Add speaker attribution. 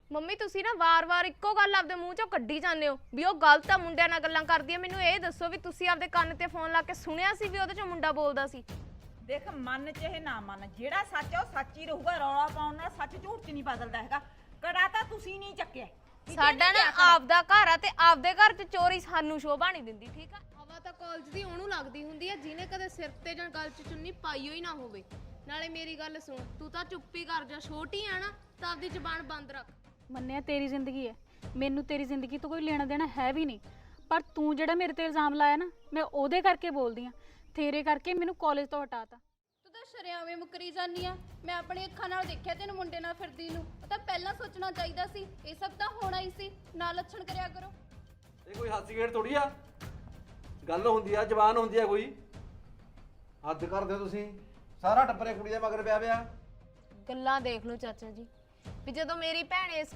Speaker 1: Mummy ਤੁਸੀਂ ਨਾ ਵਾਰ-ਵਾਰ ਇੱਕੋ ਗੱਲ ਆਪਦੇ ਮੂੰਹ ਚੋਂ ਕੱਢੀ ਜਾਂਦੇ ਹੋ ਵੀ ਉਹ ਗਲਤ ਆ, ਮੁੰਡਿਆਂ ਨਾਲ ਗੱਲਾਂ ਕਰਦੀ ਆ। ਮੈਨੂੰ ਇਹ ਦੱਸੋ ਵੀ ਤੁਸੀਂ ਆਪਦੇ ਕੰਨ ਤੇ ਫੋਨ ਲਾ ਕੇ ਸੁਣਿਆ ਸੀ ਵੀ ਉਹਦੇ ਚੋਂ ਮੁੰਡਾ ਬੋਲਦਾ ਸੀ?
Speaker 2: ਦੇਖ, ਮੰਨ ਚਾਹੇ ਨਾ ਮੰਨ, ਜਿਹੜਾ ਸੱਚ ਆ ਉਹ ਸੱਚ ਹੀ ਰਹੂਗਾ। ਰੌਲਾ ਪਾਉਣ ਨਾਲ ਸੱਚ ਝੂਠ 'ਚ ਨਹੀਂ ਬਦਲਦਾ ਹੈਗਾ। ਕੜਾ ਤਾਂ ਤੁਸੀਂ ਨਹੀਂ ਚੱਕਿਆ।
Speaker 1: ਸਾਡਾ ਨਾ ਆਪਦਾ ਘਰ ਆ ਤੇ ਆਪਦੇ ਘਰ 'ਚ ਚੋਰੀ ਸਾਨੂੰ ਸ਼ੋਭਾ ਨਹੀਂ ਦਿੰਦੀ, ਠੀਕ ਆ?
Speaker 3: ਹਵਾ ਤਾਂ ਕਾਲਜ ਦੀ ਉਹਨੂੰ ਲੱਗਦੀ ਹੁੰਦੀ ਆ ਜਿਹਨੇ ਕਦੇ ਸਿਰ ਤੇ ਜਾਂ ਗਲ 'ਚ ਚੁੰਨੀ ਪਾਈ ਹੋਈ ਨਾ ਹੋਵੇ। ਨਾਲੇ ਮੇਰੀ ਗੱਲ ਸੁਣ, ਤੂੰ ਤਾਂ ਚੁੱਪੀ ਕਰ ਜਾ, ਛੋਟੀ ਆ ਨਾ, ਤਾਂ ਆਪਦੀ ਜ਼ੁਬਾਨ ਬੰਦ ਰੱਖ।
Speaker 4: ਮੰਨਿਆ ਤੇਰੀ ਜ਼ਿੰਦਗੀ ਹੈ, ਮੈਨੂੰ ਤੇਰੀ ਜ਼ਿੰਦਗੀ ਤੋਂ ਕੋਈ ਲੈਣਾ ਦੇਣਾ ਹੈ ਵੀ ਨਹੀਂ, ਪਰ ਤੂੰ ਜਿਹੜਾ ਮੇਰੇ ਤੇ ਇਲਜ਼ਾਮ ਲਾਇਆ ਨਾ, ਮੈਂ ਉਹਦੇ ਕਰਕੇ ਬੋਲਦੀ ਆ। ਤੇਰੇ ਕਰਕੇ ਮੈਨੂੰ ਕਾਲਜ ਤੋਂ ਹਟਾਤਾ।
Speaker 5: ਤੂੰ ਤਾਂ ਸ਼ਰਿਆਵੇਂ ਮੁਕਰੀ ਜਾਂਦੀ ਆ। ਮੈਂ ਆਪਣੀ ਅੱਖਾਂ ਨਾਲ ਦੇਖਿਆ ਤੈਨੂੰ ਮੁੰਡੇ ਨਾਲ ਫਿਰਦੀ ਨੂੰ। ਉਹ ਤਾਂ ਪਹਿਲਾਂ ਸੋਚਣਾ ਚਾਹੀਦਾ ਸੀ, ਇਹ ਸਭ ਤਾਂ ਹੋਣਾ ਹੀ ਸੀ। ਨਾ ਲੱਛਣ ਕਰਿਆ ਕਰੋ।
Speaker 6: ਇਹ ਕੋਈ ਹਾਸੀ ਖੇਡ ਥੋੜੀ ਆ, ਗੱਲ ਹੁੰਦੀ ਆ, ਜ਼ਬਾਨ ਹੁੰਦੀ ਆ। ਕੋਈ ਹੱਦ ਕਰਦੇ ਹੋ ਤੁਸੀਂ। ਸਾਰਾ ਟੱਬਰੇ ਕੁੜੀ ਦੇ ਮਗਰ ਪਿਆ ਪਿਆ।
Speaker 1: ਗੱਲਾਂ ਦੇਖ ਲਓ ਚਾਚਾ ਜੀ, ਵੀ ਜਦੋਂ ਮੇਰੀ ਭੈਣ ਇਸ